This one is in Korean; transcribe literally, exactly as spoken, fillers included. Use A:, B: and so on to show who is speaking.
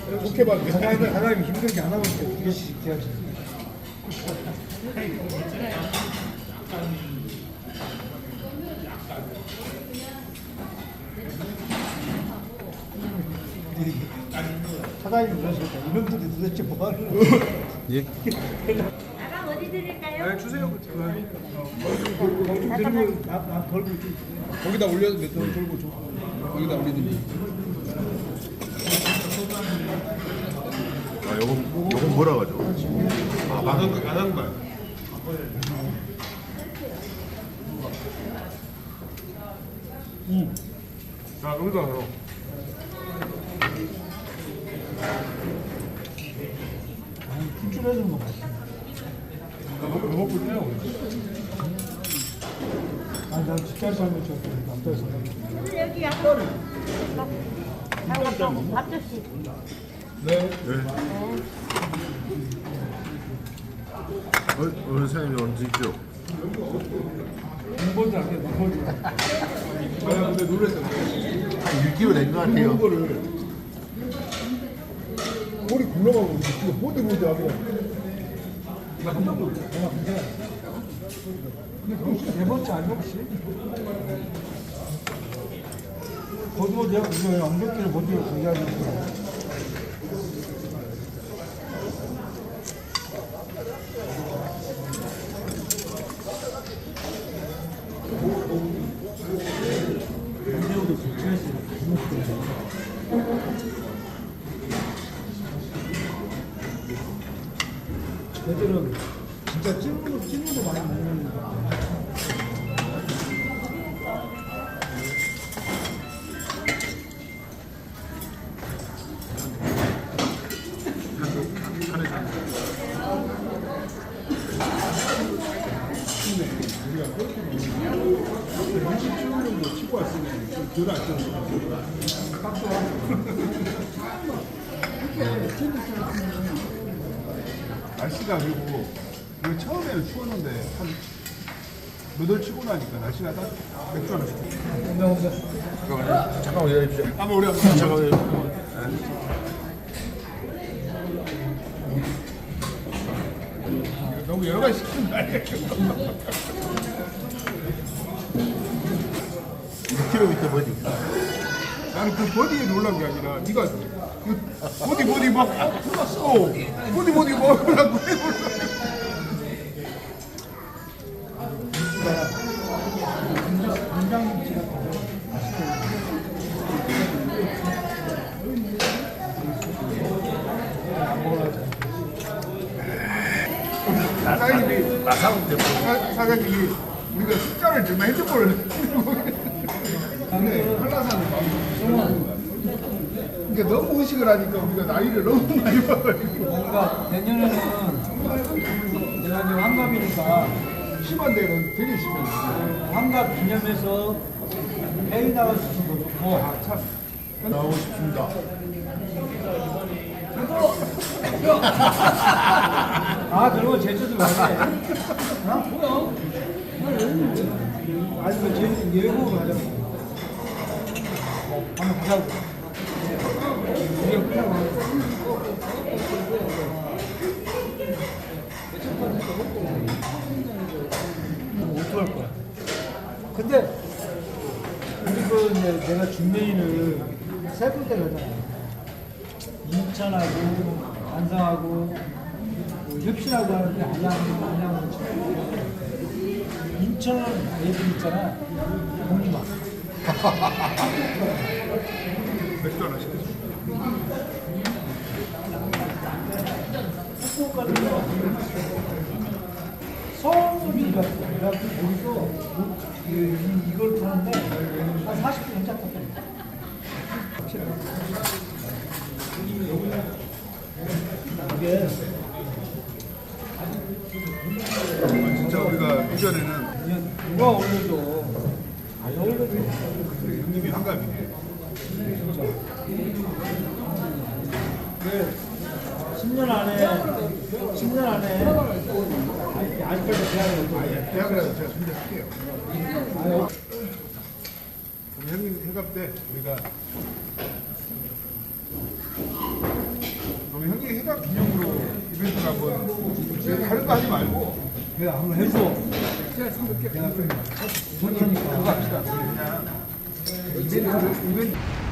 A: 좋게 봐.
B: 사장님, 사장님 힘들게 안 하고 두 개씩 해야지. 사장님 그러시니까 이놈들이 도대체 뭐 하는 거야?
C: 예?
D: 나랑 어디 드릴까요?
A: 네, 주세요.
B: 좀 들고 나, 나 걸고 있지.
A: 거기다 올려, 몇 돈 돌고 줘. 거기다 올리든지.
C: 아, 요건, 요건 뭐라 가죠?
A: 아, 안한 안한 거야. 음. 자, 여기다 넣어.
B: 출출해주는 거 맛있어.
A: 먹고 먹고 있네요.
B: 아니 난 집잘 살면 좋고 남자 살면.
D: 오늘 여기 약간 장갑하고 밥접시.
A: 네.
C: 네. 어, 어느 사장님이 언제 있죠?
B: 공부도 안 해, 공부도.
A: 아, 근데 놀랬어.
C: 한 일 킬로그램 된 것 같아요.
A: 이거를 머리 굴러가고 이거 보디 보디 하고.
B: 나 한 번도 없어. 내가 문제가 있어. 근데 그거 혹시 네 번째 아니야 혹시? 거기서 내가 우리가 엉덩이를 못 들고 얘기하는 거야. 언제부터 스트레스를 애들은 진짜 찐으로 찐으로 많이 먹는 거야.
A: 우리가 그렇게 먹는 이십 정도 치고 왔으면 좀덜 아쉬웠어. 딱 좋아. 날씨가 그리고 우리 처음에는 추웠는데 한 몇월 치고 나니까 날씨가 딱 맥주 하나 시켜.
C: 잠깐만 기다려주세요.
A: 한번 우리 한번
C: 잠깐만요.
A: 너무 여러 가지 시키는 거 아니야?
C: 육 킬로미터 버디.
A: 나는 그 버디에 놀란 게 아니라 네가 그 버디 버디 막 풀었어. 버디 버디 막 하려고 해.
B: 된장김치가 맛있게 안 먹어야지.
A: 사장님이
C: 마사오 때문에.
A: 사- 사장님이 우리가 숫자를 정말 핸드폰을 근데 한라산을 막 그러니까 너무 의식을 하니까 우리가 나이를 너무 많이 먹어가지고
B: 그러니까 내년에는 내가 이제 환갑이니까
A: 심한 데는 되게 심해.
B: 환갑 기념해서 해외 나갈 수 있는 거 좋고
A: 아, 참 나오고 싶습니다.
B: 아 그러면 제주도 가야 돼. 아 뭐야? 아니면 제주 예고로 가자고. 한번 가자고. 우리가 그냥 어떡할 거야? 근데 우리 그 이제 내가 중매인을 세 군데 가잖아. 인천하고 안성하고 그 혁신하고 하는데 안양하고 안양하고 인천은 애들 있잖아. 공주마.
A: 맥주 하나 시켰어.
B: 후쿠오카는 서울이 갔어. 내가 거기서 이, 이, 이걸 타는데 한 사십 분 정도 탔다. 이게
A: 진짜 우리가 이전에는
B: 그냥 누가 올려도 아 여기도
A: 형님이 한갑이네.
B: 진짜. 그 십 년 안에 십 년 안에 아직- 아직까지 대학을 못
A: 아예 대학이라도 제가 준비할게요.
B: 아유.
A: 그럼 형님 한갑 때 우리가 생각 기념으로 이벤트를 한번 제가 다른 거 하지 말고
B: 내가 한번 해줘.
A: 내가 좀 좋다니까 그거 합시다. 그냥 이벤트를 이벤트